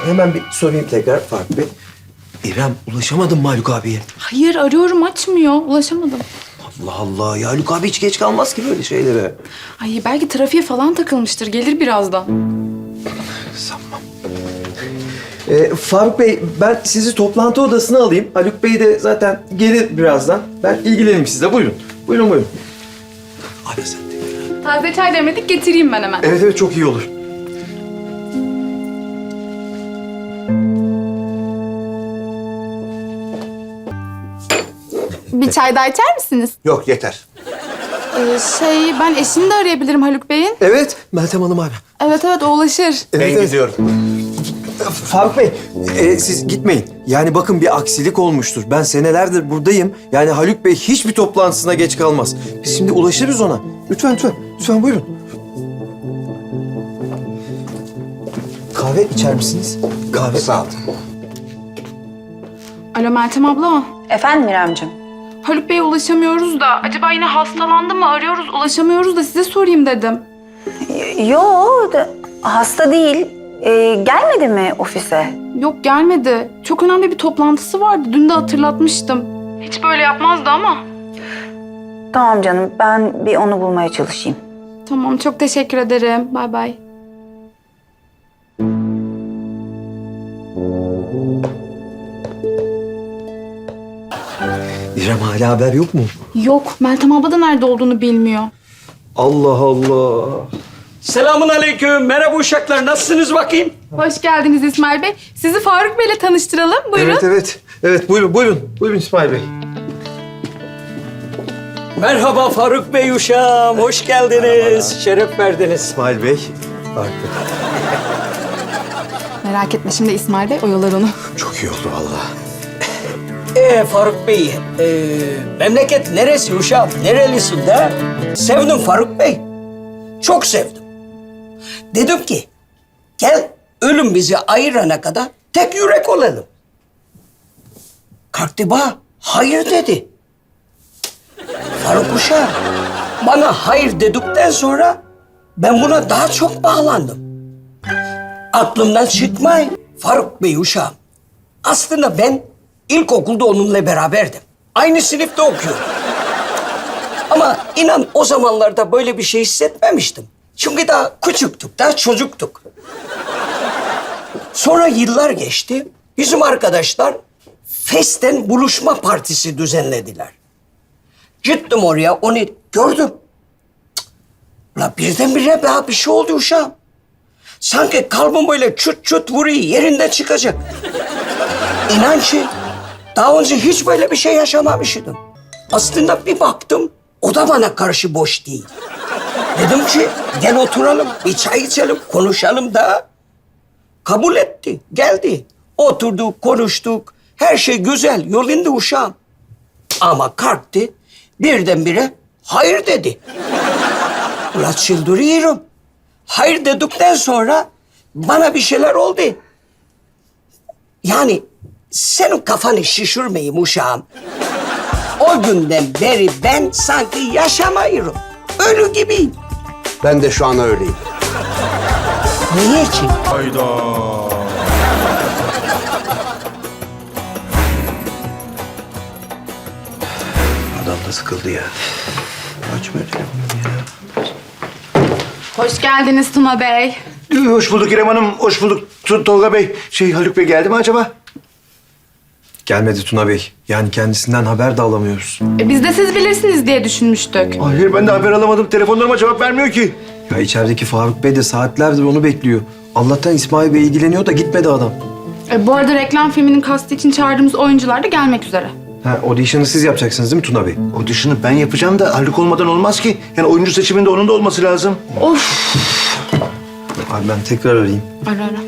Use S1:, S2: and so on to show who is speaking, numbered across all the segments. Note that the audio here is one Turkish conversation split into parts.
S1: hemen bir sorayım tekrar Faruk Bey. İrem, ulaşamadın mı Haluk abiye?
S2: Hayır, arıyorum, açmıyor. Ulaşamadım.
S1: Allah Allah ya, Haluk abi hiç geç kalmaz ki böyle şeylere.
S2: Ay belki trafiğe falan takılmıştır. Gelir birazdan.
S1: Sanmam. Faruk Bey, ben sizi toplantı odasına alayım. Haluk Bey de zaten gelir birazdan. Ben ilgileneyim sizle. Buyurun. Buyurun. Abi sen de.
S2: Taze çay demledik, getireyim ben hemen.
S1: Evet, çok iyi olur.
S2: Bir çay daha içer misiniz?
S3: Yok yeter.
S2: Ben eşini de arayabilirim Haluk Bey'in.
S1: Evet, Meltem Hanım abi.
S2: Evet, o ulaşır.
S3: Ben gidiyorum.
S1: Faruk Bey, siz gitmeyin. Yani bakın bir aksilik olmuştur. Ben senelerdir buradayım. Yani Haluk Bey hiçbir toplantısına geç kalmaz. Biz şimdi ulaşırız ona. Lütfen. Lütfen buyurun. Kahve içer misiniz? Kahve.
S3: Sağ ol.
S2: Alo Meltem abla.
S4: Efendim İremciğim?
S2: Haluk Bey'e ulaşamıyoruz da. Acaba yine hastalandı mı? Arıyoruz, ulaşamıyoruz da size sorayım dedim.
S4: Yo, hasta değil. Gelmedi mi ofise?
S2: Yok, gelmedi. Çok önemli bir toplantısı vardı. Dün de hatırlatmıştım. Hiç böyle yapmazdı ama.
S4: Tamam canım, ben bir onu bulmaya çalışayım.
S2: Tamam, çok teşekkür ederim. Bay bay.
S1: İrem, hala haber yok mu?
S2: Yok, Meltem abla da nerede olduğunu bilmiyor.
S1: Allah Allah.
S5: Selamun aleyküm. Merhaba uşaklar. Nasılsınız bakayım?
S2: Hoş geldiniz İsmail Bey. Sizi Faruk Bey'le tanıştıralım. Buyurun.
S1: Evet, buyurun. Buyurun İsmail Bey.
S5: Merhaba Faruk Bey uşağım. Hoş geldiniz. Şeref verdiniz.
S1: İsmail Bey. Faruk Bey.
S2: Merak etme, şimdi İsmail Bey oyalar onu.
S1: Çok iyi oldu vallahi.
S5: Faruk Bey, memleket neresi uşağım? Nerelisin de? Sevdim Faruk Bey. Çok sevdim. Dedim ki, gel ölüm bizi ayırana kadar tek yürek olalım. Kalktı bana, hayır dedi. Faruk uşağım, bana hayır dedikten sonra ben buna daha çok bağlandım. Aklımdan çıkmayın Faruk Bey uşağım. Aslında ben ilkokulda onunla beraberdim. Aynı sınıfta okuyorum. Ama inan o zamanlarda böyle bir şey hissetmemiştim. Çünkü daha küçüktük, daha çocuktuk. Sonra yıllar geçti. Bizim arkadaşlar festen buluşma partisi düzenlediler. Gittim oraya, onu gördüm. Cık. La birdenbire daha bir şey oldu uşağım. Sanki kalbim böyle çut çut vuruyor, yerinden çıkacak. İnan ki daha önce hiç böyle bir şey yaşamamıştım. Aslında bir baktım, o da bana karşı boş değil. Dedim ki, gel oturalım, bir çay içelim, konuşalım da. Kabul etti, geldi. Oturduk, konuştuk. Her şey güzel, yolunda uşağım. Ama kalktı, birdenbire hayır dedi. Ulan çıldırıyorum. Hayır dedikten sonra bana bir şeyler oldu. Yani senin kafanı şişirmeyeyim uşağım. O günden beri ben sanki yaşamıyorum. Ölü gibiyim.
S3: Ben de şu an öyleyim.
S5: Niye ki?
S1: Adam da sıkıldı ya. Açmıyor telefonunu ya.
S2: Hoş geldiniz Tuna Bey.
S3: Hoş bulduk İrem Hanım, hoş bulduk Tolga Bey. Haluk Bey geldi mi acaba?
S1: Gelmedi Tuna Bey. Yani kendisinden haber de alamıyoruz.
S2: Biz de siz bilirsiniz diye düşünmüştük.
S3: Hayır, ben de haber alamadım. Telefonlarıma cevap vermiyor ki.
S1: Ya içerideki Faruk Bey de saatlerdir onu bekliyor. Allah'tan İsmail Bey ilgileniyor da gitmedi adam.
S2: Bu arada reklam filminin kastı için çağırdığımız oyuncular da gelmek üzere.
S1: Audition'ı siz yapacaksınız değil mi Tuna Bey?
S3: Audition'ı ben yapacağım da Haluk olmadan olmaz ki. Yani oyuncu seçiminde onun da olması lazım.
S2: Of.
S1: Abi ben tekrar arayayım.
S2: Ara.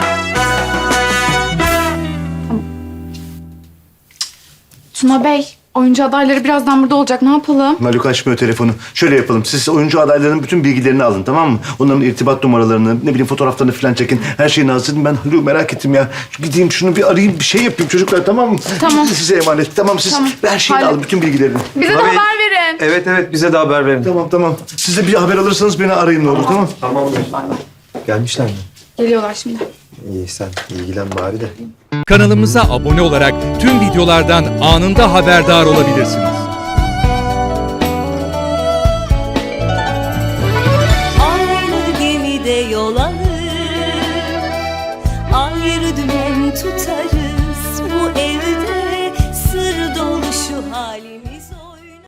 S2: Tuna Bey, Oyuncu adayları birazdan burada olacak. Ne yapalım?
S3: Haluk açmıyor telefonu. Şöyle yapalım. Siz oyuncu adaylarının bütün bilgilerini alın, tamam mı? Onların irtibat numaralarını, ne bileyim fotoğraflarını falan çekin. Her şeyini hazırlayın. Ben Haluk'u merak ettim ya. Gideyim şunu bir arayayım, bir şey yapayım çocuklar, tamam mı?
S2: Tamam.
S3: Size emanet. Tamam, siz
S2: Tamam.
S3: her şeyini
S2: Haluk.
S3: alın, bütün bilgilerini.
S2: Bize de
S1: Tabii.
S2: haber verin.
S1: Evet bize de haber verin.
S3: Tamam. Siz de bir haber alırsanız beni arayın ne olur, tamam?
S1: Tamamdır. Gelmişler mi?
S2: Geliyorlar şimdi.
S1: İyi sen ilgilen bari de.
S6: Kanalımıza abone olarak tüm videolardan anında haberdar olabilirsiniz.
S7: Aynı gemide yol alır, ayrı dümen tutarız. Bu evde